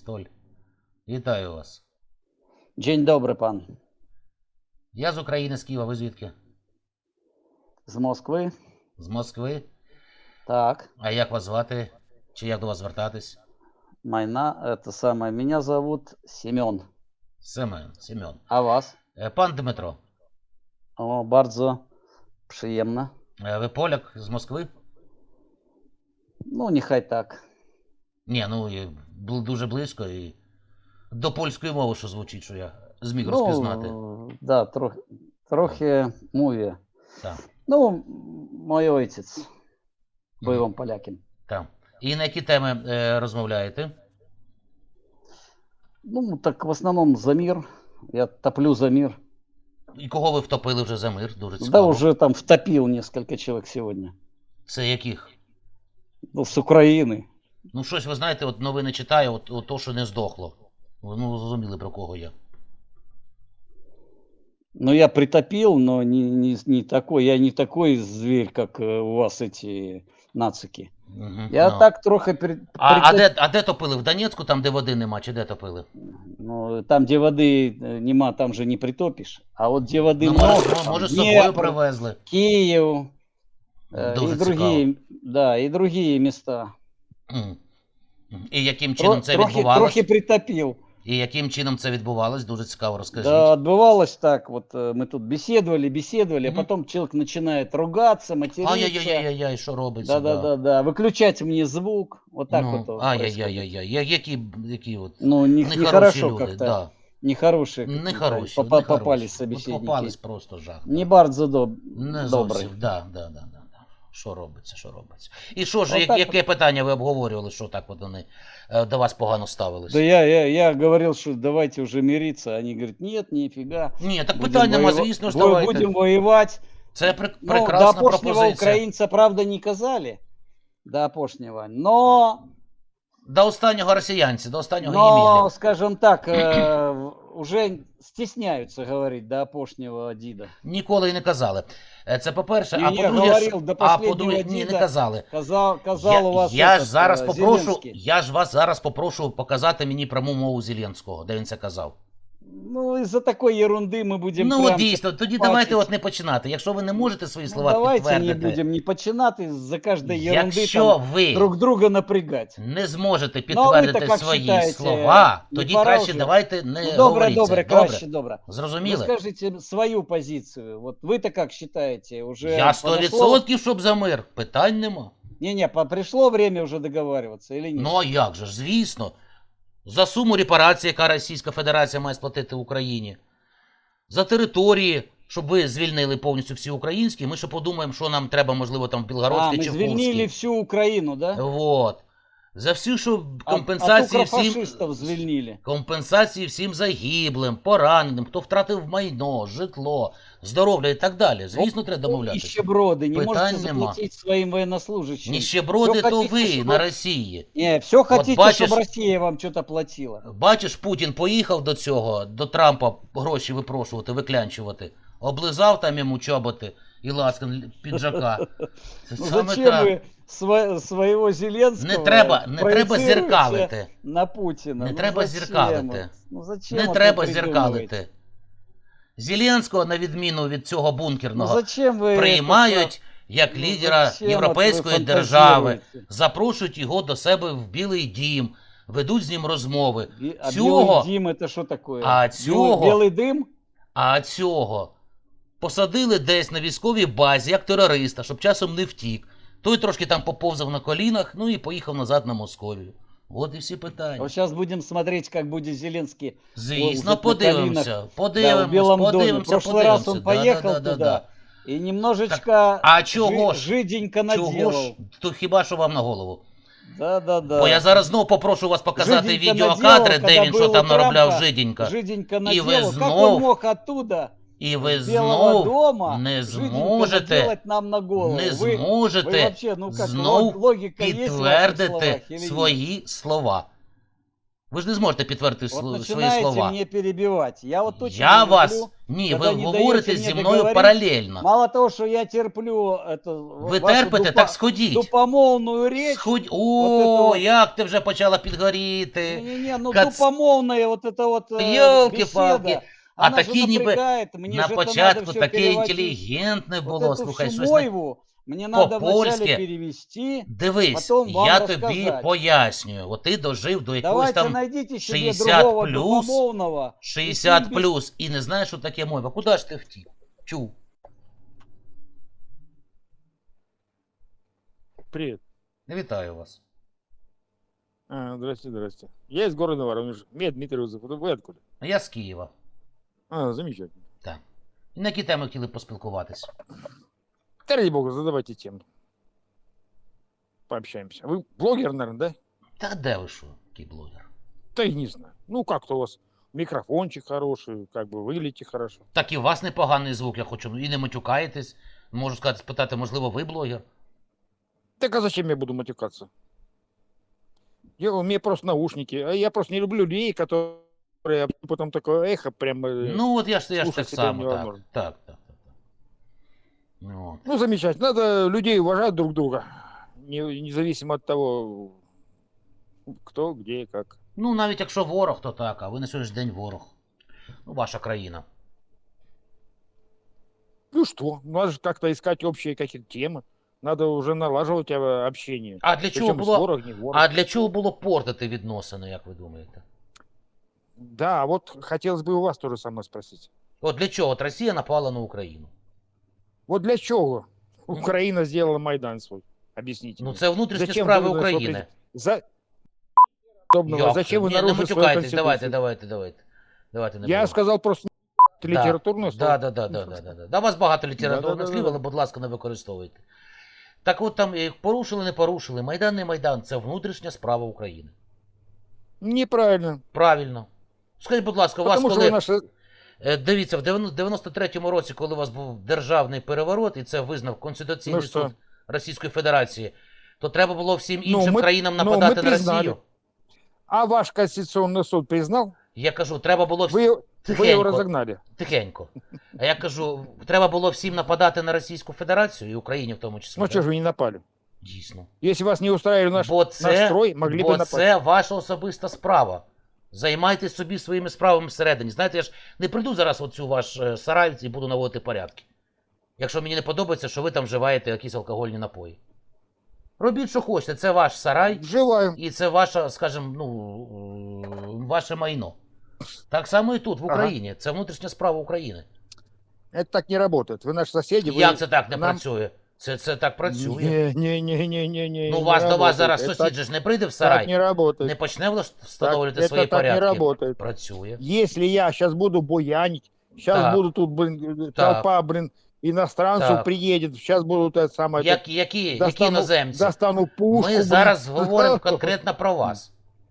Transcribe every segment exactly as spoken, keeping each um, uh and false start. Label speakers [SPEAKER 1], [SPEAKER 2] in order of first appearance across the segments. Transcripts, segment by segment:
[SPEAKER 1] Бристоль. Вітаю вас.
[SPEAKER 2] Dzień dobry, pan.
[SPEAKER 1] Я з України, з Києва, ви звідки?
[SPEAKER 2] З Москви?
[SPEAKER 1] З Москви.
[SPEAKER 2] Так.
[SPEAKER 1] А як вас звати? Чи як до вас звертатись?
[SPEAKER 2] Майна, это самое. Меня зовут Семен.
[SPEAKER 1] Семен, Семен.
[SPEAKER 2] А вас?
[SPEAKER 1] Е, Пан Дмитро,
[SPEAKER 2] О, bardzo przyjemne.
[SPEAKER 1] е, ви поляк з Москви?
[SPEAKER 2] Ну, нехай так.
[SPEAKER 1] Ні, ну і бу- дуже близько і до польської мови, що звучить, що я зміг
[SPEAKER 2] Ну,
[SPEAKER 1] розпізнати.
[SPEAKER 2] да, трохи, трохи mówię.
[SPEAKER 1] Так,
[SPEAKER 2] Ну, мой отець бойовим поляком.
[SPEAKER 1] так. І на які теми е, розмовляєте?
[SPEAKER 2] Ну, так в основному за мир. Я топлю за мир.
[SPEAKER 1] І кого ви втопили вже за мир? Дуже
[SPEAKER 2] Да,
[SPEAKER 1] цікаво.
[SPEAKER 2] уже там втопил несколько человек сегодня.
[SPEAKER 1] Це яких?
[SPEAKER 2] Ну, с Украины.
[SPEAKER 1] Ну, щось, ви знаєте, от новини читаю, от, от то, що не здохло. Ну, зрозуміли, про кого я.
[SPEAKER 2] Ну, я притопил, но не, не, не такой, я не такой зверь, как э, у вас эти нацики.
[SPEAKER 1] Угу,
[SPEAKER 2] Я
[SPEAKER 1] ну.
[SPEAKER 2] так трохи при,
[SPEAKER 1] А, а,
[SPEAKER 2] притоп-
[SPEAKER 1] де, а де топили? В Донецьку, там, де води нема, чи де топили?
[SPEAKER 2] Ну, там, где воды э, нема, там же не притопишь. А вот где воды
[SPEAKER 1] Ну,
[SPEAKER 2] много,
[SPEAKER 1] може,
[SPEAKER 2] там
[SPEAKER 1] може, з собою
[SPEAKER 2] Днепр,
[SPEAKER 1] привезли.
[SPEAKER 2] Киев, э,
[SPEAKER 1] Дуже
[SPEAKER 2] и другие, да, и другие места.
[SPEAKER 1] М. І яким
[SPEAKER 2] Тро-
[SPEAKER 1] чином це
[SPEAKER 2] трохи,
[SPEAKER 1] відбувалось?
[SPEAKER 2] трохи притопил.
[SPEAKER 1] І яким чином це відбувалось? Дуже цікаво, розкажіть.
[SPEAKER 2] Да, отбывалось так, вот э, мы тут беседовали, беседовали,
[SPEAKER 1] Мгм.
[SPEAKER 2] а потом человек начинает ругаться, материться.
[SPEAKER 1] Ай-яй-яй-яй, що робиться?
[SPEAKER 2] Да-да-да, выключать мне звук, вот так
[SPEAKER 1] Ну,
[SPEAKER 2] вот. вот происходит.
[SPEAKER 1] ай-яй-яй-яй, я- які, які от
[SPEAKER 2] Ну, не,
[SPEAKER 1] нехороші
[SPEAKER 2] нехорошо
[SPEAKER 1] люди,
[SPEAKER 2] как-то,
[SPEAKER 1] да.
[SPEAKER 2] нехорошие какие-то
[SPEAKER 1] Нехороші,
[SPEAKER 2] попа-
[SPEAKER 1] нехороші.
[SPEAKER 2] попались
[SPEAKER 1] От
[SPEAKER 2] собеседники.
[SPEAKER 1] попались просто жах.
[SPEAKER 2] Не bardzo доб...
[SPEAKER 1] Не
[SPEAKER 2] добрый.
[SPEAKER 1] зовсім, да, да, да, да, да. Що робиться, що робиться. І що ж,
[SPEAKER 2] Отак
[SPEAKER 1] як,
[SPEAKER 2] от.
[SPEAKER 1] яке питання ви обговорювали, що так от вони е, до вас погано ставились?
[SPEAKER 2] Да я, я, я говорил, что давайте уже мириться. Они говорят, нет, нифига.
[SPEAKER 1] Ні, так
[SPEAKER 2] Будем
[SPEAKER 1] питань нема,
[SPEAKER 2] воева-
[SPEAKER 1] звісно ж,
[SPEAKER 2] бо-
[SPEAKER 1] давайте.
[SPEAKER 2] Будем воевать.
[SPEAKER 1] Це пр-
[SPEAKER 2] Ну,
[SPEAKER 1] прекрасна
[SPEAKER 2] до опошнего
[SPEAKER 1] пропозиція.
[SPEAKER 2] украинца, правда, не казали. До опошнего. Но,
[SPEAKER 1] До останнього росіянці, до останнього
[SPEAKER 2] но
[SPEAKER 1] Ємілі.
[SPEAKER 2] скажем так, э, уже стесняются говорить до опошнего Дида.
[SPEAKER 1] Ніколи і не казали. Е, Це по-перше,
[SPEAKER 2] Ні,
[SPEAKER 1] а
[SPEAKER 2] ні,
[SPEAKER 1] по-друге,
[SPEAKER 2] говорив,
[SPEAKER 1] що-
[SPEAKER 2] до
[SPEAKER 1] а
[SPEAKER 2] последнього
[SPEAKER 1] по-друге, ні, не
[SPEAKER 2] діда
[SPEAKER 1] казали.
[SPEAKER 2] Казал, казал
[SPEAKER 1] Я,
[SPEAKER 2] у вас
[SPEAKER 1] я
[SPEAKER 2] этот,
[SPEAKER 1] ж зараз
[SPEAKER 2] э,
[SPEAKER 1] попрошу,
[SPEAKER 2] Зеленский.
[SPEAKER 1] я ж вас зараз попрошу показати мені пряму мову Зеленського, де він це казав.
[SPEAKER 2] Ну, из-за такой ерунды мы будем
[SPEAKER 1] Ну,
[SPEAKER 2] прям
[SPEAKER 1] дійсно, тоді
[SPEAKER 2] бачить.
[SPEAKER 1] давайте от не починати. Якщо ви не можете свої
[SPEAKER 2] Ну,
[SPEAKER 1] слова
[SPEAKER 2] давайте не
[SPEAKER 1] підтвердити,
[SPEAKER 2] будем не починати за каждой ерунды
[SPEAKER 1] якщо
[SPEAKER 2] там
[SPEAKER 1] ви
[SPEAKER 2] друг друга напрягать.
[SPEAKER 1] не зможете
[SPEAKER 2] Ну, а ви
[SPEAKER 1] підтвердити
[SPEAKER 2] так як
[SPEAKER 1] свої
[SPEAKER 2] считаєте,
[SPEAKER 1] слова,
[SPEAKER 2] не
[SPEAKER 1] тоді
[SPEAKER 2] пора
[SPEAKER 1] краще
[SPEAKER 2] вже?
[SPEAKER 1] давайте не
[SPEAKER 2] Ну, добре,
[SPEAKER 1] говоріть
[SPEAKER 2] добре,
[SPEAKER 1] це.
[SPEAKER 2] краще, добре. Вы
[SPEAKER 1] Зрозуміли?
[SPEAKER 2] скажите свою позицию. Вот вы-то как считаете? Уже
[SPEAKER 1] Я сто
[SPEAKER 2] подошло?
[SPEAKER 1] відсотків, щоб за мир. Питань нема.
[SPEAKER 2] Не-не, по- пришло время уже договариваться или нет?
[SPEAKER 1] Ну а як же ж, звісно. За суму репарації, яка Російська Федерація має сплатити Україні. За території, щоб ви звільнили повністю всі українські, ми ще подумаємо, що нам треба, можливо, там в
[SPEAKER 2] а,
[SPEAKER 1] Білгородській
[SPEAKER 2] мы
[SPEAKER 1] чи
[SPEAKER 2] звільнили
[SPEAKER 1] Курській.
[SPEAKER 2] всю Украину, да?
[SPEAKER 1] Вот. За всю, що
[SPEAKER 2] А-
[SPEAKER 1] компенсації
[SPEAKER 2] от
[SPEAKER 1] всім...
[SPEAKER 2] укрофашистов звільнили.
[SPEAKER 1] Компенсації всім загиблим, пораненим, хто втратив майно, житло, здоров'я і так далі. Звісно, треба домовлятися.
[SPEAKER 2] Нищеброды, не
[SPEAKER 1] Питань
[SPEAKER 2] можете
[SPEAKER 1] нема.
[SPEAKER 2] заплатить своим военнослужащим.
[SPEAKER 1] Ніщеброди
[SPEAKER 2] Всё
[SPEAKER 1] то
[SPEAKER 2] хотите,
[SPEAKER 1] ви
[SPEAKER 2] щоб-
[SPEAKER 1] на Росії.
[SPEAKER 2] Не, все хотите,
[SPEAKER 1] бачишь-
[SPEAKER 2] чтобы Россия вам что-то платила.
[SPEAKER 1] Бачиш, Путін поїхав до цього, до Трампа гроші випрошувати, виклянчувати. Облизав там йому чоботи і ласкан піджака. Це
[SPEAKER 2] Ну
[SPEAKER 1] саме
[SPEAKER 2] зачем
[SPEAKER 1] так.
[SPEAKER 2] вы сво- своего Зеленского
[SPEAKER 1] Не треба, не треба
[SPEAKER 2] проецируете
[SPEAKER 1] зеркалити.
[SPEAKER 2] на Путина?
[SPEAKER 1] Не
[SPEAKER 2] Ну
[SPEAKER 1] треба
[SPEAKER 2] зачем?
[SPEAKER 1] зеркалити.
[SPEAKER 2] Ну зачем
[SPEAKER 1] Не
[SPEAKER 2] вот
[SPEAKER 1] треба
[SPEAKER 2] вы придумываете?
[SPEAKER 1] зеркалити. Зеленського, на відміну від цього
[SPEAKER 2] Ну
[SPEAKER 1] бункерного,
[SPEAKER 2] зачем вы
[SPEAKER 1] приймають як
[SPEAKER 2] Ну,
[SPEAKER 1] лідера
[SPEAKER 2] зачем
[SPEAKER 1] європейської
[SPEAKER 2] от ви
[SPEAKER 1] держави,
[SPEAKER 2] фантазіруєте?
[SPEAKER 1] запрошують його до себе в Білий дім, ведуть з ним розмови.
[SPEAKER 2] это? Би- А
[SPEAKER 1] Цього-
[SPEAKER 2] белый дым это что такое?
[SPEAKER 1] А
[SPEAKER 2] Белый-
[SPEAKER 1] цього-
[SPEAKER 2] Белый дым?
[SPEAKER 1] А цього посадили десь на військовій базі, як терориста, щоб часом не втік. Той трошки там поповзав на колінах, ну і поїхав назад на Московію. От і всі питання.
[SPEAKER 2] Вот сейчас будем смотреть, как будет Зеленский.
[SPEAKER 1] Звісно,
[SPEAKER 2] уже на
[SPEAKER 1] подивимося,
[SPEAKER 2] колінах,
[SPEAKER 1] подивимося,
[SPEAKER 2] да, в Белом доме. В
[SPEAKER 1] подивимося,
[SPEAKER 2] прошлый раз
[SPEAKER 1] подивимося.
[SPEAKER 2] он поехал
[SPEAKER 1] Да, да, да,
[SPEAKER 2] туда
[SPEAKER 1] да.
[SPEAKER 2] и немножечко
[SPEAKER 1] А чого
[SPEAKER 2] жи-
[SPEAKER 1] ж?
[SPEAKER 2] жиденько
[SPEAKER 1] Чого
[SPEAKER 2] наделал.
[SPEAKER 1] ж? То хіба що вам на голову?
[SPEAKER 2] Да, да, да.
[SPEAKER 1] Бо я зараз знову попрошу вас показати
[SPEAKER 2] Жиденько
[SPEAKER 1] відеокадри,
[SPEAKER 2] наделал,
[SPEAKER 1] де
[SPEAKER 2] когда
[SPEAKER 1] він що
[SPEAKER 2] был
[SPEAKER 1] там
[SPEAKER 2] у
[SPEAKER 1] наробляв
[SPEAKER 2] Трампа,
[SPEAKER 1] жиденько.
[SPEAKER 2] Жиденько
[SPEAKER 1] І ви
[SPEAKER 2] наделал. Как
[SPEAKER 1] знов-
[SPEAKER 2] он мог оттуда,
[SPEAKER 1] І ви
[SPEAKER 2] с Белого
[SPEAKER 1] знов
[SPEAKER 2] дома,
[SPEAKER 1] не
[SPEAKER 2] жиденько
[SPEAKER 1] зможете,
[SPEAKER 2] наделать нам на голову?
[SPEAKER 1] не
[SPEAKER 2] Вы- вы
[SPEAKER 1] зможете
[SPEAKER 2] вообще, ну как,
[SPEAKER 1] знов
[SPEAKER 2] лог- логика есть в ваших
[SPEAKER 1] підтвердити
[SPEAKER 2] словах или нет?
[SPEAKER 1] свої слова. Ви ж не зможете підтвердити
[SPEAKER 2] Вот
[SPEAKER 1] сл- свої
[SPEAKER 2] начинаете
[SPEAKER 1] слова.
[SPEAKER 2] мне перебивать. Я вот точно
[SPEAKER 1] Я
[SPEAKER 2] не
[SPEAKER 1] вас
[SPEAKER 2] люблю
[SPEAKER 1] Ні,
[SPEAKER 2] Когда
[SPEAKER 1] ви
[SPEAKER 2] не
[SPEAKER 1] говорите
[SPEAKER 2] даєте
[SPEAKER 1] зі
[SPEAKER 2] мені
[SPEAKER 1] мною
[SPEAKER 2] договорити,
[SPEAKER 1] паралельно.
[SPEAKER 2] Мало того, что я терплю это,
[SPEAKER 1] Ви
[SPEAKER 2] вашу
[SPEAKER 1] терпите,
[SPEAKER 2] дупа-
[SPEAKER 1] так сходіть.
[SPEAKER 2] дупомовную речь.
[SPEAKER 1] Сходь.
[SPEAKER 2] вот это
[SPEAKER 1] О,
[SPEAKER 2] вот.
[SPEAKER 1] як ти вже почала підгоріти.
[SPEAKER 2] Не-не-не, ну
[SPEAKER 1] Кац-
[SPEAKER 2] дупомовная вот эта вот э,
[SPEAKER 1] Йолки-палки.
[SPEAKER 2] беседа,
[SPEAKER 1] А
[SPEAKER 2] она же
[SPEAKER 1] такі ніби
[SPEAKER 2] напрягает, мне
[SPEAKER 1] на
[SPEAKER 2] же это надо
[SPEAKER 1] початку
[SPEAKER 2] все
[SPEAKER 1] таке
[SPEAKER 2] переводить.
[SPEAKER 1] інтелігентне
[SPEAKER 2] Вот
[SPEAKER 1] було.
[SPEAKER 2] эту
[SPEAKER 1] Слухай,
[SPEAKER 2] всю
[SPEAKER 1] щось на...
[SPEAKER 2] мойву мне надо вначале
[SPEAKER 1] по-польськи.
[SPEAKER 2] перевести.
[SPEAKER 1] Дивись,
[SPEAKER 2] потім вам
[SPEAKER 1] я тобі
[SPEAKER 2] розказати.
[SPEAKER 1] пояснюю. От ти дожив до якогось
[SPEAKER 2] Давайте
[SPEAKER 1] там
[SPEAKER 2] найдите себе
[SPEAKER 1] шістдесят
[SPEAKER 2] другого
[SPEAKER 1] плюс,
[SPEAKER 2] дупомовного.
[SPEAKER 1] шістдесят
[SPEAKER 2] без-
[SPEAKER 1] плюс і не знаєш, що таке мова. Куди ж ти втік? Чув.
[SPEAKER 3] Привет.
[SPEAKER 1] Вітаю вас.
[SPEAKER 3] А, здрасте, здрасте. Я из города Воронеж. Меня Дмитрий Узов. Вы откуда?
[SPEAKER 1] А я з Києва.
[SPEAKER 3] А, замечательно.
[SPEAKER 1] Так. І на які теми хотіли поспілкуватися?
[SPEAKER 3] Да ради бога, задавайте тему. Пообщаемся. Вы блогер, наверное, да?
[SPEAKER 1] Та де ви що, який блогер?
[SPEAKER 3] Да и не знаю. Ну, как-то у вас микрофончик хороший, как бы выглядите хорошо.
[SPEAKER 1] Так і у вас непоганий звук, я хочу. І не матюкаєтесь. Можу сказати, спитати, можливо, ви блогер?
[SPEAKER 3] Так а зачем я буду матюкаться? Я, у меня просто наушники. А я просто не люблю людей, которые потом такое эхо прямо...
[SPEAKER 1] Ну, от я ж, я ж
[SPEAKER 3] слушать
[SPEAKER 1] так
[SPEAKER 3] себя
[SPEAKER 1] само, так.
[SPEAKER 3] невозможно.
[SPEAKER 1] Так, так, так. так. Ну, от.
[SPEAKER 3] Ну, замечательно. Надо людей уважать друг друга. Не- Независимо от того, кто, где и как.
[SPEAKER 1] Ну, навіть якщо ворог, то так, а ви на сьогоднішній день ворог. Ну, ваша країна.
[SPEAKER 3] Ну что, надо же как-то искать общие какие-то темы. Надо уже налаживать э, общение.
[SPEAKER 1] А для чого
[SPEAKER 3] Причем с
[SPEAKER 1] було,
[SPEAKER 3] ворог, не ворог.
[SPEAKER 1] а для чого було портити відносини, як ви думаєте?
[SPEAKER 3] Да, вот хотелось бы у вас тоже самое спросить.
[SPEAKER 1] От для чого от Росія напала на Україну?
[SPEAKER 3] Вот для чего Украина сделала Майдан свой? Объясните.
[SPEAKER 1] Ну,
[SPEAKER 3] мне.
[SPEAKER 1] це внутрішні
[SPEAKER 3] Зачем
[SPEAKER 1] справи
[SPEAKER 3] вы на свой
[SPEAKER 1] України.
[SPEAKER 3] За... подобного?
[SPEAKER 1] Як
[SPEAKER 3] Зачем
[SPEAKER 1] це?
[SPEAKER 3] вы
[SPEAKER 1] Ні, не
[SPEAKER 3] нарушили свою
[SPEAKER 1] матюкайтесь, давайте,
[SPEAKER 3] конституцию?
[SPEAKER 1] давайте, давайте. Давайте не
[SPEAKER 3] Я
[SPEAKER 1] будемо.
[SPEAKER 3] сказал просто литературное слово.
[SPEAKER 1] Да, да, да, да, да, да, да. Да, у вас багато літературних
[SPEAKER 3] Да-да-да-да.
[SPEAKER 1] слів, але, будь ласка, не використовуйте. Так от там е, порушили, не порушили. Майдан не Майдан, це внутрішня справа України.
[SPEAKER 3] Неправильно.
[SPEAKER 1] Правильно. Скажіть, будь ласка, у вас
[SPEAKER 3] Потому что
[SPEAKER 1] коли...
[SPEAKER 3] вы наши...
[SPEAKER 1] Е, Дивіться, в дев'яносто третьому році, коли у вас був державний переворот, і це визнав Конституційний
[SPEAKER 3] Ну що?
[SPEAKER 1] суд Російської Федерації, то треба було всім
[SPEAKER 3] Ну,
[SPEAKER 1] іншим
[SPEAKER 3] ми-
[SPEAKER 1] країнам
[SPEAKER 3] ну,
[SPEAKER 1] нападати
[SPEAKER 3] ми
[SPEAKER 1] на
[SPEAKER 3] признали.
[SPEAKER 1] Росію.
[SPEAKER 3] А ваш Конституционный суд признал?
[SPEAKER 1] Я кажу, треба було всім...
[SPEAKER 3] Вы, вы
[SPEAKER 1] Тихенько.
[SPEAKER 3] его разогнали.
[SPEAKER 1] Тихенько. А я кажу, треба було всім нападати на Російську Федерацію і Україні в тому числі.
[SPEAKER 3] Ну
[SPEAKER 1] да?
[SPEAKER 3] что же вы не напали?
[SPEAKER 1] Дійсно.
[SPEAKER 3] Если вас не устраивали наш,
[SPEAKER 1] Бо
[SPEAKER 3] наш
[SPEAKER 1] це,
[SPEAKER 3] строй, могли бы
[SPEAKER 1] бо
[SPEAKER 3] напасть.
[SPEAKER 1] це ваша особиста справа. Займайтесь собі своїми справами всередині. Знаєте, я ж не прийду зараз в оцю ваш е, сарай і буду наводити порядки. Якщо мені не подобається, що ви там вживаєте якісь алкогольні напої. Робіть, що хочете, це ваш сарай,
[SPEAKER 3] Желаю.
[SPEAKER 1] і це ваша, скажімо, ну, е, ваше майно. Так само і тут, в
[SPEAKER 3] Ага.
[SPEAKER 1] Україні. Це внутрішня справа України.
[SPEAKER 3] Это так не работает. Вы наши соседи. Вы...
[SPEAKER 1] Як це так не
[SPEAKER 3] нам-
[SPEAKER 1] працює? Це, це так працює.
[SPEAKER 3] Не, не, не, не, не, не.
[SPEAKER 1] Ну,
[SPEAKER 3] не
[SPEAKER 1] вас до вас
[SPEAKER 3] работает.
[SPEAKER 1] зараз
[SPEAKER 3] Это
[SPEAKER 1] сусід
[SPEAKER 3] так-
[SPEAKER 1] же ж не прийде в
[SPEAKER 3] Так
[SPEAKER 1] сарай,
[SPEAKER 3] не работает.
[SPEAKER 1] не почне влаш- встановлювати
[SPEAKER 3] Так-
[SPEAKER 1] свої
[SPEAKER 3] это так не
[SPEAKER 1] порядки.
[SPEAKER 3] работает.
[SPEAKER 1] Працює.
[SPEAKER 3] Если я сейчас буду буянить, сейчас
[SPEAKER 1] Так.
[SPEAKER 3] буду тут, блин,
[SPEAKER 1] Так.
[SPEAKER 3] толпа, блин, иностранцев
[SPEAKER 1] Так.
[SPEAKER 3] приедет, сейчас будут это самое... это,
[SPEAKER 1] Як, які, які
[SPEAKER 3] достану,
[SPEAKER 1] іноземці?
[SPEAKER 3] достану пушку.
[SPEAKER 1] Ми
[SPEAKER 3] блин.
[SPEAKER 1] зараз говоримо конкретно про вас.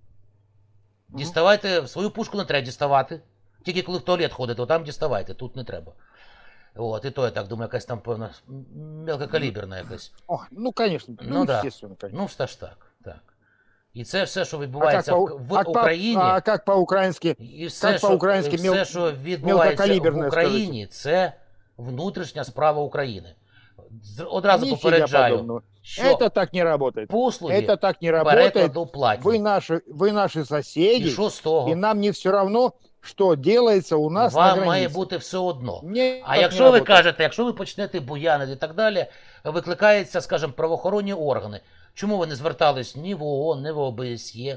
[SPEAKER 3] Мгм.
[SPEAKER 1] Діставайте, свою пушку не треба діставати. Тільки коли в туалет ходите, то там діставайте, тут не треба. От, і то я так думаю, якась там, певно, мелкокаліберна якась.
[SPEAKER 3] О, ну, конечно.
[SPEAKER 1] Ну
[SPEAKER 3] Ну,
[SPEAKER 1] да.
[SPEAKER 3] естественно, конечно.
[SPEAKER 1] Ну, все ж так, так. І це все, що
[SPEAKER 3] А как,
[SPEAKER 1] відбувається
[SPEAKER 3] по,
[SPEAKER 1] в, в
[SPEAKER 3] а, по-
[SPEAKER 1] Україні,
[SPEAKER 3] а как по-украински?
[SPEAKER 1] і все,
[SPEAKER 3] як
[SPEAKER 1] що,
[SPEAKER 3] по-українськи
[SPEAKER 1] і все,
[SPEAKER 3] мел-
[SPEAKER 1] що відбувається в
[SPEAKER 3] мелкокаліберне,
[SPEAKER 1] Україні, це внутрішня справа України. З- Одразу
[SPEAKER 3] Нифига
[SPEAKER 1] попереджаю,
[SPEAKER 3] подобного.
[SPEAKER 1] що
[SPEAKER 3] Это так не работает.
[SPEAKER 1] послуги
[SPEAKER 3] Это так не работает.
[SPEAKER 1] перекладу платні.
[SPEAKER 3] Вы наши, вы наши соседи,
[SPEAKER 1] І що з того?
[SPEAKER 3] и нам не все равно, что делается у нас на
[SPEAKER 1] Вам
[SPEAKER 3] границе.
[SPEAKER 1] має бути все одно.
[SPEAKER 3] Не,
[SPEAKER 1] А
[SPEAKER 3] так не
[SPEAKER 1] якщо ви
[SPEAKER 3] работает.
[SPEAKER 1] кажете, якщо ви почнете буянити і так далі, викликаються, скажімо, правоохоронні органи. Чому ви не звертались ні в ООН, ні в О Б С Є?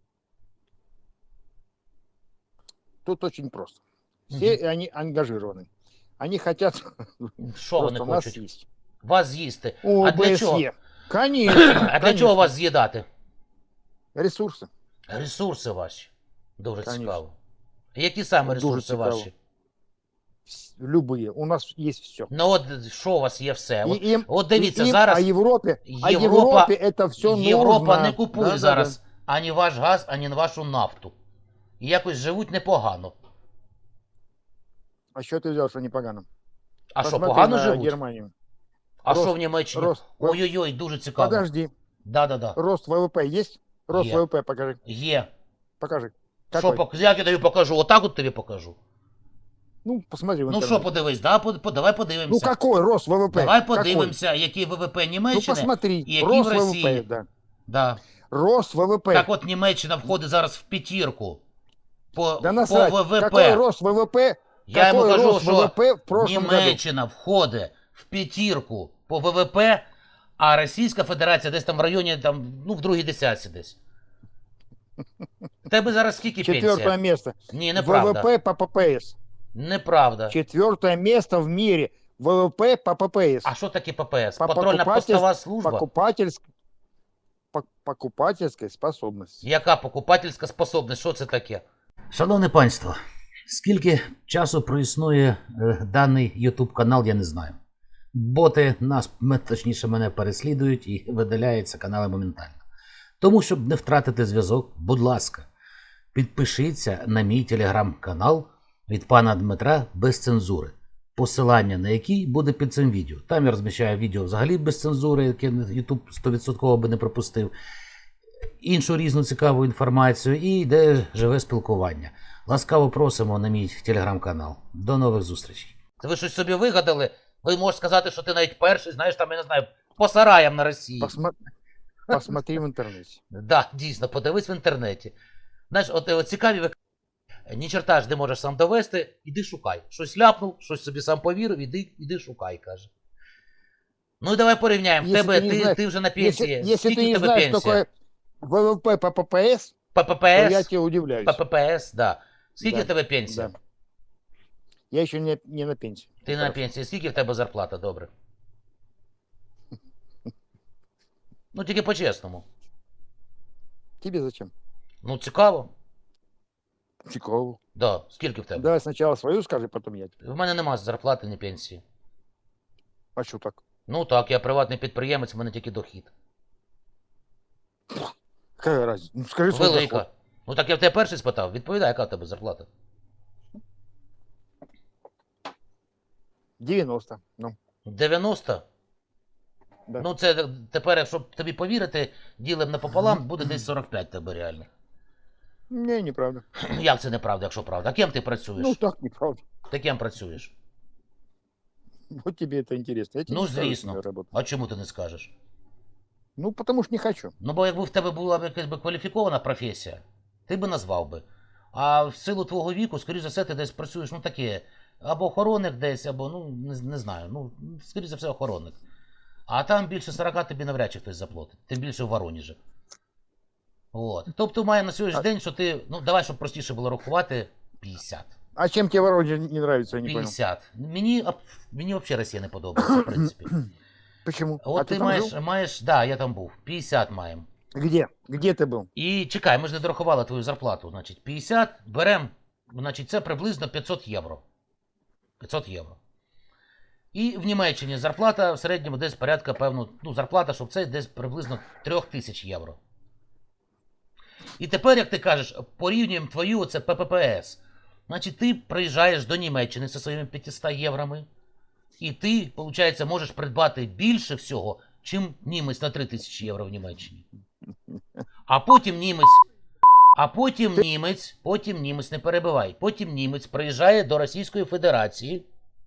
[SPEAKER 3] Тут очень просто. Все они ангажированы. Они хотят,
[SPEAKER 1] Що вони
[SPEAKER 3] просто нас
[SPEAKER 1] хочуть?
[SPEAKER 3] съесть.
[SPEAKER 1] Вас з'їсти.
[SPEAKER 3] О,
[SPEAKER 1] А для чого?
[SPEAKER 3] ОБСЕ. Конечно.
[SPEAKER 1] А для
[SPEAKER 3] конечно.
[SPEAKER 1] чого вас з'їдати?
[SPEAKER 3] Ресурсы.
[SPEAKER 1] Ресурси ваші. Дуже
[SPEAKER 3] Конечно.
[SPEAKER 1] цікаво. Які саме
[SPEAKER 3] Дуже
[SPEAKER 1] ресурси
[SPEAKER 3] цікаво.
[SPEAKER 1] ваші?
[SPEAKER 3] Вс- Любые. У нас есть все.
[SPEAKER 1] Ну от що у вас є все? От,
[SPEAKER 3] И им,
[SPEAKER 1] от дивіться,
[SPEAKER 3] и им
[SPEAKER 1] зараз
[SPEAKER 3] о Европе, о
[SPEAKER 1] Європа-
[SPEAKER 3] Европе это все
[SPEAKER 1] Європа
[SPEAKER 3] нужно.
[SPEAKER 1] не купує
[SPEAKER 3] Да-да-да.
[SPEAKER 1] зараз ані ваш газ, ані вашу нафту. І якось живуть непогано.
[SPEAKER 3] А що ти взяв, що непогано?
[SPEAKER 1] А що,
[SPEAKER 3] Посмотри
[SPEAKER 1] погано
[SPEAKER 3] на
[SPEAKER 1] живуть?
[SPEAKER 3] Германию.
[SPEAKER 1] А
[SPEAKER 3] Рост-
[SPEAKER 1] що в Німеччині?
[SPEAKER 3] рост-
[SPEAKER 1] Ой-ой-ой, дуже цікаво.
[SPEAKER 3] Подожди.
[SPEAKER 1] Да-да-да.
[SPEAKER 3] Рост вэ вэ пэ есть? Рост
[SPEAKER 1] Е.
[SPEAKER 3] вэ вэ пэ покажи.
[SPEAKER 1] Є.
[SPEAKER 3] Покажи.
[SPEAKER 1] Що,
[SPEAKER 3] Какой?
[SPEAKER 1] пок- як я тобі покажу? Отак от тобі покажу.
[SPEAKER 3] Ну, посмотри в
[SPEAKER 1] Ну
[SPEAKER 3] интернете.
[SPEAKER 1] що подивись, да? По- по- давай
[SPEAKER 3] Ну,
[SPEAKER 1] подивимося.
[SPEAKER 3] какой рост ВВП?
[SPEAKER 1] Давай
[SPEAKER 3] Какой?
[SPEAKER 1] подивимося, який ВВП
[SPEAKER 3] Ну,
[SPEAKER 1] Німеччини
[SPEAKER 3] посмотри.
[SPEAKER 1] і який в
[SPEAKER 3] Рост
[SPEAKER 1] Росії.
[SPEAKER 3] ВВП, да.
[SPEAKER 1] Да.
[SPEAKER 3] Рост ВВП.
[SPEAKER 1] Так от Німеччина входить зараз в п'ятірку по,
[SPEAKER 3] Да
[SPEAKER 1] по
[SPEAKER 3] насрать.
[SPEAKER 1] ВВП.
[SPEAKER 3] Какой рост ВВП?
[SPEAKER 1] Я йому
[SPEAKER 3] какой
[SPEAKER 1] кажу,
[SPEAKER 3] рост
[SPEAKER 1] що
[SPEAKER 3] ВВП в прошлом году?
[SPEAKER 1] Німеччина входить в п'ятірку по ВВП, а Російська Федерація десь там в районі, там, ну, в другій десятці десь. В тебе зараз скільки
[SPEAKER 3] Четвертое
[SPEAKER 1] пенсія?
[SPEAKER 3] место.
[SPEAKER 1] Ні, неправда.
[SPEAKER 3] ВВП по ППС.
[SPEAKER 1] Неправда.
[SPEAKER 3] Четвертое место в мире. ВВП по ППС.
[SPEAKER 1] А що таке ППС?
[SPEAKER 3] По
[SPEAKER 1] Патрульна
[SPEAKER 3] покупательс-
[SPEAKER 1] постова служба?
[SPEAKER 3] Покупательск... по- Покупательской способности.
[SPEAKER 1] Яка покупательська способність? Що це таке? Шановне панство, скільки часу проіснує е, даний YouTube канал, я не знаю. Боти нас, м- точніше, мене переслідують і видаляються канали моментально. Тому, щоб не втратити зв'язок, будь ласка, підпишіться на мій телеграм-канал від пана Дмитра без цензури, посилання на який буде під цим відео. Там я розміщаю відео взагалі без цензури, яке YouTube сто відсотків би не пропустив, іншу різну цікаву інформацію і йде живе спілкування. Ласкаво просимо на мій телеграм-канал. До нових зустрічей. Ви щось собі вигадали? Ви можете сказати, що ти навіть перший, знаєш, там, я не знаю, по сараям на Росії.
[SPEAKER 3] Посма- Посмотри в интернете.
[SPEAKER 1] Да, дійсно, подивись в інтернеті. Знаєш, от, от цікаві ви ні черта ж не можеш сам довести, іди шукай. Щось ляпнув, щось собі сам повірив, іди, іди шукай, каже. Ну і давай порівняємо. В
[SPEAKER 3] Якщо
[SPEAKER 1] тебе,
[SPEAKER 3] ти не
[SPEAKER 1] ти,
[SPEAKER 3] знаєш-
[SPEAKER 1] ти вже на
[SPEAKER 3] Если,
[SPEAKER 1] пенсії.
[SPEAKER 3] если
[SPEAKER 1] Скільки
[SPEAKER 3] ты
[SPEAKER 1] в
[SPEAKER 3] не
[SPEAKER 1] тебе
[SPEAKER 3] знаешь, что
[SPEAKER 1] пенсія?
[SPEAKER 3] такое ВВП по ППС, то я
[SPEAKER 1] ППС?
[SPEAKER 3] тебе удивляюсь.
[SPEAKER 1] ППС, да. Скільки
[SPEAKER 3] Да,
[SPEAKER 1] в тебе пенсія?
[SPEAKER 3] Да. Я еще не, не на пенсии.
[SPEAKER 1] Ти на
[SPEAKER 3] Хорошо.
[SPEAKER 1] пенсії. Скільки в тебе зарплата, добре? Ну тільки по-чесному.
[SPEAKER 3] Тебе зачем?
[SPEAKER 1] Ну цікаво.
[SPEAKER 3] Цікаво.
[SPEAKER 1] Да. Скільки в тебе?
[SPEAKER 3] Давай сначала свою скажи, потом я.
[SPEAKER 1] В мене нема зарплати, ні пенсії.
[SPEAKER 3] А что так?
[SPEAKER 1] Ну так, я приватний підприємець, в мене тільки дохід.
[SPEAKER 3] Какая разница? Ну, скажи свой
[SPEAKER 1] Велика.
[SPEAKER 3] доход.
[SPEAKER 1] Ну так я в тебе перший спитав. Відповідай, яка в тебе зарплата?
[SPEAKER 3] девяносто. Ну,
[SPEAKER 1] дев'яносто?
[SPEAKER 3] да.
[SPEAKER 1] Ну це тепер, якщо тобі повірити, ділим напополам, буде десь сорок п'ять тебе реально.
[SPEAKER 3] Не, неправда.
[SPEAKER 1] Як це неправда, якщо правда? А ким ти працюєш?
[SPEAKER 3] Ну, так неправда.
[SPEAKER 1] Ти ким працюєш?
[SPEAKER 3] Вот тебе это интересно. Я тебе
[SPEAKER 1] Ну,
[SPEAKER 3] не скажу,
[SPEAKER 1] звісно.
[SPEAKER 3] что я работаю.
[SPEAKER 1] А чому ти не скажеш?
[SPEAKER 3] Ну, потому что не хочу.
[SPEAKER 1] Ну, бо якби в тебе була б якась би кваліфікована професія, ти би назвав би. А в силу твого віку, скоріш за все, ти десь працюєш, ну таке, або охоронник десь, або, ну, не, не знаю, ну, скоріш за все, охоронник. А там більше сорока тобі навряд чи хтось заплатить. Тим більше в Воронежі. От. Тобто має на сьогоднішній день, що ти, ну давай, щоб простіше було рахувати, п'ятдесят.
[SPEAKER 3] А чем тебе Воронеж не нравится, я не понял.
[SPEAKER 1] п'ятдесят. Мені, аб- мені взагалі Росія не подобається, в принципі.
[SPEAKER 3] Почему?
[SPEAKER 1] От
[SPEAKER 3] а
[SPEAKER 1] ти,
[SPEAKER 3] ты там
[SPEAKER 1] маєш,
[SPEAKER 3] жил?
[SPEAKER 1] маєш, да, я там був, п'ятдесят маємо.
[SPEAKER 3] Где? Где ты был?
[SPEAKER 1] І чекай, ми ж не дорахували твою зарплату. Значить, п'ятдесят беремо, значить, це приблизно п'ятсот євро. п'ятсот євро. І в Німеччині зарплата в середньому десь порядка, певно, ну, зарплата, щоб це десь приблизно три тисячі євро. І тепер, як ти кажеш, порівнюємо твою оце ППС. Значить, ти приїжджаєш до Німеччини зі своїми п'ятистами євроми, і ти, виходить, можеш придбати більше всього, чим німець на три тисячі євро в Німеччині. А потім німець, а потім німець, потім німець, не перебивай, потім німець приїжджає до Російської Федерації,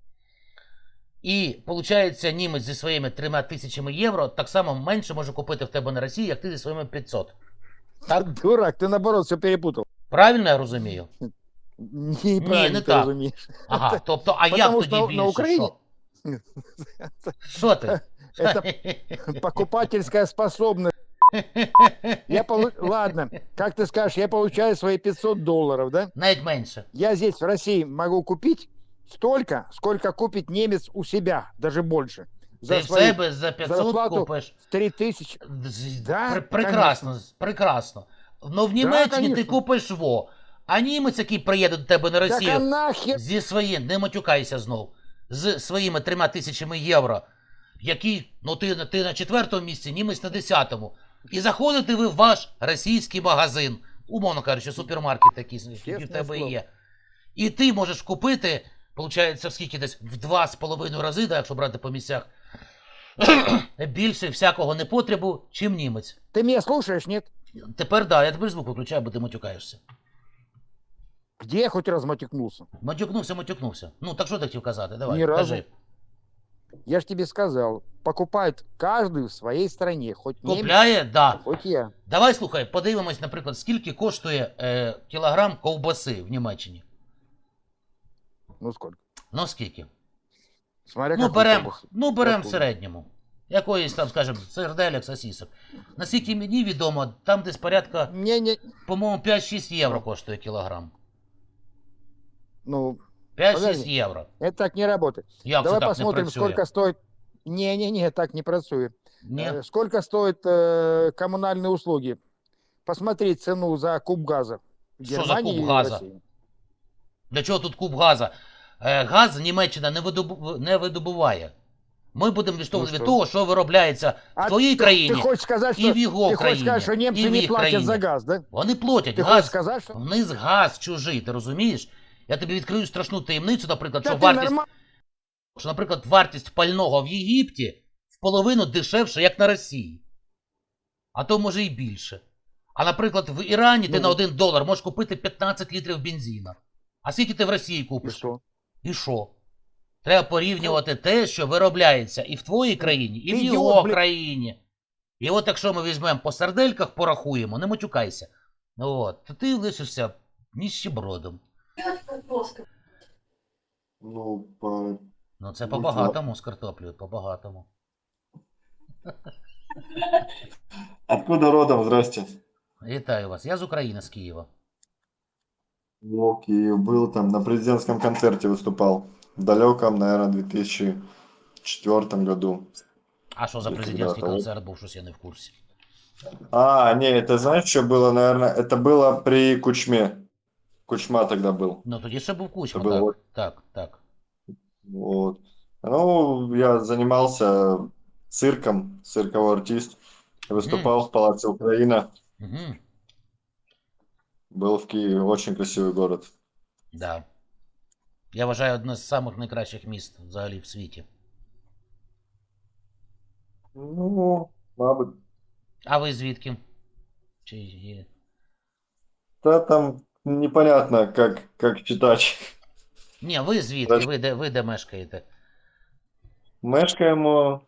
[SPEAKER 1] і, виходить, німець зі своїми трьома тисячами євро так само менше може купити в тебе на Росії, як ти зі своїми п'ятсот. Так?
[SPEAKER 3] Дурак, ты наоборот все перепутал.
[SPEAKER 1] Правильно я розумію?
[SPEAKER 3] Неправильно
[SPEAKER 1] не
[SPEAKER 3] ты
[SPEAKER 1] так.
[SPEAKER 3] разумеешь.
[SPEAKER 1] Ага, тобто, а як
[SPEAKER 3] Потому
[SPEAKER 1] тоді
[SPEAKER 3] що на-
[SPEAKER 1] більше?
[SPEAKER 3] на Україні-
[SPEAKER 1] Що? Що ти?
[SPEAKER 3] Это покупательская способность. Я полу... Ладно, как ты скажешь, я получаю свои пятьсот долларов, да?
[SPEAKER 1] Навіть менше.
[SPEAKER 3] Я здесь в России могу купить столько, сколько купит немец у себя, даже больше.
[SPEAKER 1] Ти
[SPEAKER 3] За
[SPEAKER 1] в
[SPEAKER 3] свои
[SPEAKER 1] себе за п'ятсот
[SPEAKER 3] зарплату
[SPEAKER 1] купиш.
[SPEAKER 3] три тысячи.
[SPEAKER 1] З-
[SPEAKER 3] Да,
[SPEAKER 1] пр- прекрасно, прекрасно. Ну в Німеччині ти
[SPEAKER 3] конечно.
[SPEAKER 1] купиш во. А німець, який приїде до тебе на
[SPEAKER 3] Так а
[SPEAKER 1] Росію
[SPEAKER 3] нахер?
[SPEAKER 1] зі своїм, не матюкайся знов, з своїми трьома тисячами євро, які, ну ти, на- ти на четвертому місці, німець на десятому. І заходите ви в ваш російський магазин, умовно кажучи, супермаркет такий, який в
[SPEAKER 3] Чесне
[SPEAKER 1] тебе
[SPEAKER 3] слово.
[SPEAKER 1] є. І ти можеш купити, виходить, в скільки десь в два з половиною рази, да, якщо брати по місцях, більше всякого непотребу, чим німець.
[SPEAKER 3] Ты меня слушаешь, нет?
[SPEAKER 1] Тепер да, я тепер звук виключаю, бо ти матюкаєшся.
[SPEAKER 3] Где я хоть раз матюкнулся?
[SPEAKER 1] Матюкнувся, матюкнувся. Ну, так що ти хотів казати? Давай,
[SPEAKER 3] Ні разу.
[SPEAKER 1] кажи.
[SPEAKER 3] Я ж тебе сказал, покупает каждый в своей стране, хоть немец,
[SPEAKER 1] Купляє? Да.
[SPEAKER 3] хоть я.
[SPEAKER 1] Давай, слухай, подивимось, наприклад, скільки коштує е, кілограм ковбаси в Німеччині.
[SPEAKER 3] Ну сколько?
[SPEAKER 1] Ну, скільки?
[SPEAKER 3] Смотря
[SPEAKER 1] Ну,
[SPEAKER 3] какую
[SPEAKER 1] берем,
[SPEAKER 3] колбасу.
[SPEAKER 1] ну, берем в
[SPEAKER 3] Яку?
[SPEAKER 1] середньому. Якоїсь там, скажімо, серделек, сосісок. Наскільки мені відомо, там десь порядка,
[SPEAKER 3] Не, не,
[SPEAKER 1] по-моєму, п'ять-шість євро коштує кілограм.
[SPEAKER 3] ну,
[SPEAKER 1] п'ять-шість
[SPEAKER 3] Подожди.
[SPEAKER 1] євро.
[SPEAKER 3] это так не работает.
[SPEAKER 1] Як
[SPEAKER 3] Давай
[SPEAKER 1] це так
[SPEAKER 3] посмотрим,
[SPEAKER 1] не працює?
[SPEAKER 3] сколько стоит... Не-не-не, так не працует.
[SPEAKER 1] Ні?
[SPEAKER 3] Э, Сколько стоят э, коммунальные услуги? Посмотри цену за куб газа в
[SPEAKER 1] Что за
[SPEAKER 3] Германии
[SPEAKER 1] куб
[SPEAKER 3] и в
[SPEAKER 1] газа?
[SPEAKER 3] России.
[SPEAKER 1] Для чого тут куб газа? Е, газ Німеччина не, видобу... не видобуває. Ми будемо відштовхувати від
[SPEAKER 3] що?
[SPEAKER 1] того, що виробляється в
[SPEAKER 3] А
[SPEAKER 1] твоїй
[SPEAKER 3] ты-
[SPEAKER 1] країні
[SPEAKER 3] Ты хочешь сказать,
[SPEAKER 1] і
[SPEAKER 3] что,
[SPEAKER 1] в його
[SPEAKER 3] ты хочешь
[SPEAKER 1] країні,
[SPEAKER 3] сказать, что
[SPEAKER 1] і
[SPEAKER 3] немцы
[SPEAKER 1] в
[SPEAKER 3] не
[SPEAKER 1] їх
[SPEAKER 3] платят
[SPEAKER 1] країні.
[SPEAKER 3] за газ, да?
[SPEAKER 1] Вони платять.
[SPEAKER 3] Ты хочешь
[SPEAKER 1] Газ,
[SPEAKER 3] сказать, что...
[SPEAKER 1] в них газ чужий, ти розумієш? Я тобі відкрию страшну таємницю, наприклад,
[SPEAKER 3] Да
[SPEAKER 1] що
[SPEAKER 3] ты
[SPEAKER 1] вартість,
[SPEAKER 3] норма-
[SPEAKER 1] що, наприклад, вартість пального в Єгипті в половину дешевше, як на Росії. А то може і більше. А, наприклад, в Ірані ти
[SPEAKER 3] Ну.
[SPEAKER 1] на один долар можеш купити п'ятнадцять літрів бензина. А скільки ти в Росії
[SPEAKER 3] И
[SPEAKER 1] купиш?
[SPEAKER 3] что?
[SPEAKER 1] І що? Треба порівнювати те, що виробляється і в твоїй країні, і в
[SPEAKER 3] Ідіот,
[SPEAKER 1] його
[SPEAKER 3] блін.
[SPEAKER 1] країні. І от якщо ми візьмемо по сардельках, порахуємо, не матюкайся. Ну от, то ти лишишся ніщебродом.
[SPEAKER 4] Ну, по...
[SPEAKER 1] Ну це
[SPEAKER 4] Ну,
[SPEAKER 1] по-багатому з картоплею, по-багатому.
[SPEAKER 4] Откуда родом? Здрасте.
[SPEAKER 1] Вітаю вас. Я з України, з Києва.
[SPEAKER 4] Ну, Киев был там, на президентском концерте выступал. В далеком, наверное, две тысячи четвёртом году.
[SPEAKER 1] А що за
[SPEAKER 4] Ти
[SPEAKER 1] президентський
[SPEAKER 4] когда-то,
[SPEAKER 1] концерт був, щось я не в курсі.
[SPEAKER 4] А, не, это знаешь, что было, наверное? Это было при Кучме. Кучма тогда был.
[SPEAKER 1] Ну тоді ще був Кучма,
[SPEAKER 4] Це було-
[SPEAKER 1] так. Так, так.
[SPEAKER 4] Вот. Ну, я занимался цирком, цирковой артист. Выступал в Палаце Украина.
[SPEAKER 1] Угу.
[SPEAKER 4] Был в Киеве, очень красивый город.
[SPEAKER 1] Да. Я вважаю одне з самих найкращих міст взагалі в світі.
[SPEAKER 4] Ну, мабуть.
[SPEAKER 1] А ви звідки? Чи є?
[SPEAKER 4] Да там непонятно, как, как читать.
[SPEAKER 1] Ні, ви звідки? Ви де, ви де мешкаєте?
[SPEAKER 4] Мешкаємо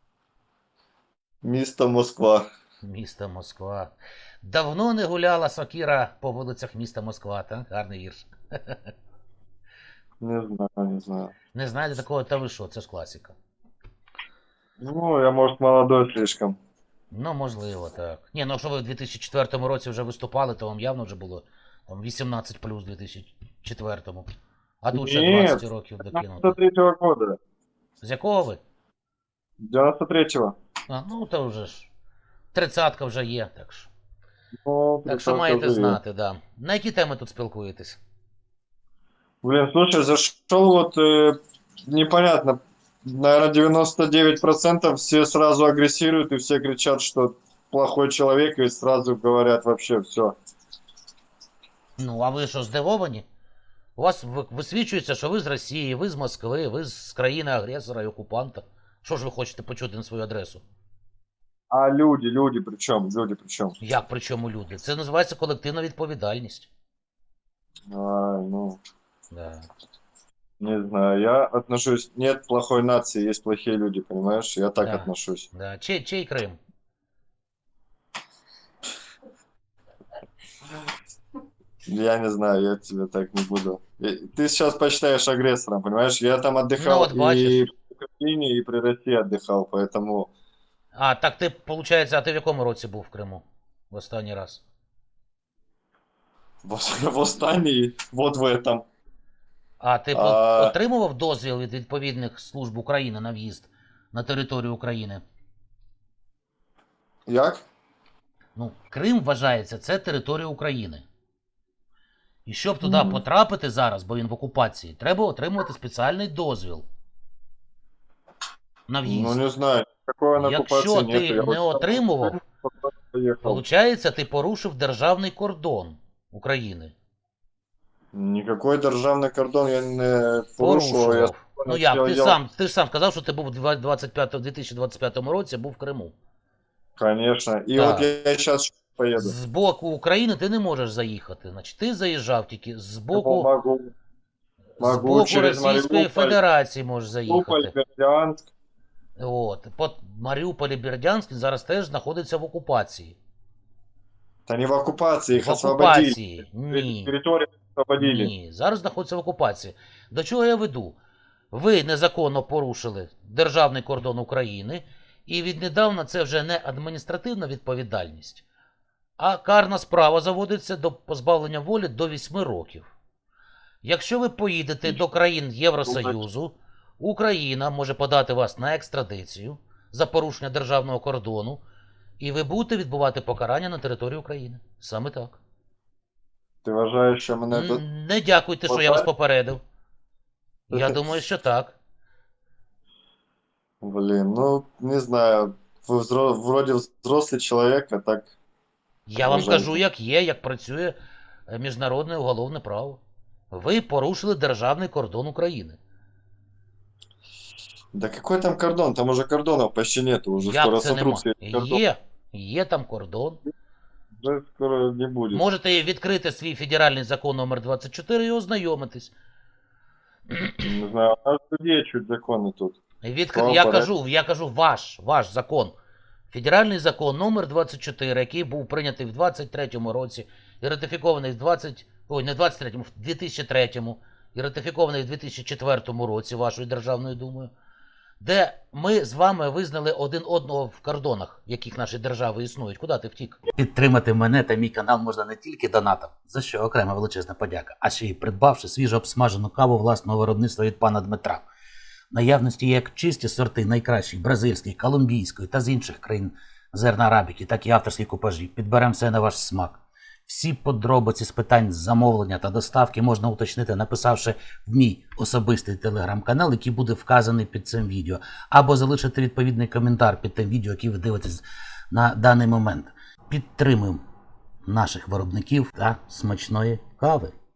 [SPEAKER 4] місто Москва.
[SPEAKER 1] Місто Москва. Давно не гуляла сокира по вулицях міста Москва, так? Гарний вірш.
[SPEAKER 4] Не знаю, не знаю.
[SPEAKER 1] Не знаєте такого, та ви що, це ж класика.
[SPEAKER 4] Ну, я, может, молодой слишком.
[SPEAKER 1] Ну, можливо, так. Ні, ну якщо ви в дві тисячі четвертому році вже виступали, то вам явно вже було там вісімнадцять плюс в дві тисячі четвертому. А тут ще
[SPEAKER 4] Ні,
[SPEAKER 1] двадцять років докинути.
[SPEAKER 4] девяносто третьего года.
[SPEAKER 1] З якого ви?
[SPEAKER 4] девяносто третьего.
[SPEAKER 1] А, ну то вже ж. Тридцятка вже є, так що.
[SPEAKER 4] Ну,
[SPEAKER 1] Так що
[SPEAKER 4] представь,
[SPEAKER 1] маєте
[SPEAKER 4] как живет.
[SPEAKER 1] знати, да. На які теми тут спілкуєтесь?
[SPEAKER 4] Блин, слушай, зашел вот э, непонятно. Наверное, девяносто девять процентов все сразу агрессируют и все кричат, что плохой человек, и сразу говорят вообще все.
[SPEAKER 1] Ну, а ви що, здивовані? У вас ви- висвічується, що ви з Росії, ви з Москви, ви з країни-агресора і окупанта. Що ж ви хочете почути на свою адресу?
[SPEAKER 4] А люди, люди причем, люди причем.
[SPEAKER 1] Як при чому люди? Це називається колективна відповідальність.
[SPEAKER 4] Ай, ну,
[SPEAKER 1] Да.
[SPEAKER 4] не знаю, я отношусь, нет плохой нации, есть плохие люди, понимаешь? Я так
[SPEAKER 1] Да.
[SPEAKER 4] отношусь.
[SPEAKER 1] Да. Чей, чей Крим?
[SPEAKER 4] Я не знаю, я тебе так не буду. Я- Ты сейчас почитаешь агрессором, понимаешь? Я там отдыхал
[SPEAKER 1] Ну, вот
[SPEAKER 4] и
[SPEAKER 1] бачишь.
[SPEAKER 4] в Украине, и при России отдыхал, поэтому
[SPEAKER 1] А, так ти, виходить, а ти в якому році був в Криму? В останній раз?
[SPEAKER 4] в, в Остании, вот в этом.
[SPEAKER 1] А ти
[SPEAKER 4] А.
[SPEAKER 1] по- отримував дозвіл від відповідних служб України на в'їзд на територію України?
[SPEAKER 4] Як?
[SPEAKER 1] Ну, Крим вважається, це територія України. І щоб туди
[SPEAKER 4] Мгм.
[SPEAKER 1] потрапити зараз, бо він в окупації, треба отримувати спеціальний дозвіл на в'їзд.
[SPEAKER 4] Ну не знаю, такой на
[SPEAKER 1] Якщо
[SPEAKER 4] оккупации
[SPEAKER 1] ти
[SPEAKER 4] нет. Я
[SPEAKER 1] не
[SPEAKER 4] вот
[SPEAKER 1] отримував,
[SPEAKER 4] поехал.
[SPEAKER 1] Получається, ти порушив державний кордон України.
[SPEAKER 4] Никакой державный кордон я не порушував. Я
[SPEAKER 1] Порушував. Ну як, ти
[SPEAKER 4] я-
[SPEAKER 1] сам, ти ж сам сказав, що ти був у двадцять п'ятому дві тисячі двадцять п'ятому році, був в Криму.
[SPEAKER 4] Конечно. И
[SPEAKER 1] Да.
[SPEAKER 4] вот я сейчас поеду.
[SPEAKER 1] З боку України ти не можеш заїхати. Значить, ти заїжджав тільки з
[SPEAKER 4] Ну,
[SPEAKER 1] боку,
[SPEAKER 4] могу.
[SPEAKER 1] з
[SPEAKER 4] Могу
[SPEAKER 1] боку
[SPEAKER 4] через
[SPEAKER 1] Російської
[SPEAKER 4] Маріуполь,
[SPEAKER 1] Федерації можеш
[SPEAKER 4] Мариуполь,
[SPEAKER 1] заїхати.
[SPEAKER 4] Бердянск.
[SPEAKER 1] От. По Маріуполь і Бердянськ зараз теж знаходиться в окупації.
[SPEAKER 4] Да не в оккупации, их
[SPEAKER 1] В
[SPEAKER 4] освободили.
[SPEAKER 1] окупації. Ні.
[SPEAKER 4] Территорию освободили.
[SPEAKER 1] Ні. Зараз знаходиться в окупації. До чого я веду? Ви незаконно порушили державний кордон України, і віднедавна це вже не адміністративна відповідальність, а карна справа заводиться до позбавлення волі до вісьми років. Якщо ви поїдете до країн Євросоюзу, Україна може подати вас на екстрадицію за порушення державного кордону, і ви будете відбувати покарання на території України. Саме так.
[SPEAKER 4] Ти вважаєш, що мене тут...
[SPEAKER 1] Н- Не дякуйте, що я вас попередив. Я думаю, що так.
[SPEAKER 4] Блин, ну, не знаю. Вы взро... вроде взрослый человек, а так...
[SPEAKER 1] Я вам
[SPEAKER 4] Вважаєте?
[SPEAKER 1] кажу, як є, як працює е, міжнародне уголовне право. Ви порушили державний кордон України.
[SPEAKER 4] Да какой там кордон? Там уже кордонов почти нету. Уже скоро
[SPEAKER 1] Як це нема?
[SPEAKER 4] сотрутся эти кордоны.
[SPEAKER 1] Є. Є там кордон.
[SPEAKER 4] Уже скоро не будет.
[SPEAKER 1] Можете відкрити свій федеральний закон номер двадцять чотири і ознайомитись.
[SPEAKER 4] Не знаю, у нас людей чуть законы тут.
[SPEAKER 1] Відкр...
[SPEAKER 4] Вам
[SPEAKER 1] Я
[SPEAKER 4] пора.
[SPEAKER 1] кажу, я кажу ваш, ваш закон. Федеральний закон номер двадцять чотири, який був прийнятий в двадцять третьому році і ратифікований в двадцять... Ой, не в двадцять третьому, в дві тисячі третьому і ратифікований в дві тисячі четвертому році вашою Державною Думою, де ми з вами визнали один одного в кордонах, в яких наші держави існують. Куди ти втік? Підтримати мене та мій канал можна не тільки донатом, за що окрема величезна подяка, а ще й придбавши свіжо обсмажену каву власного виробництва від пана Дмитра. В наявності є як чисті сорти найкращих бразильської, колумбійської та з інших країн зерна арабіки, так і авторські купажі. Підберемо все на ваш смак. Всі подробиці з питань замовлення та доставки можна уточнити, написавши в мій особистий телеграм-канал, який буде вказаний під цим відео, або залишити відповідний коментар під тим відео, яке ви дивитесь на даний момент. Підтримуємо наших виробників та смачної кави.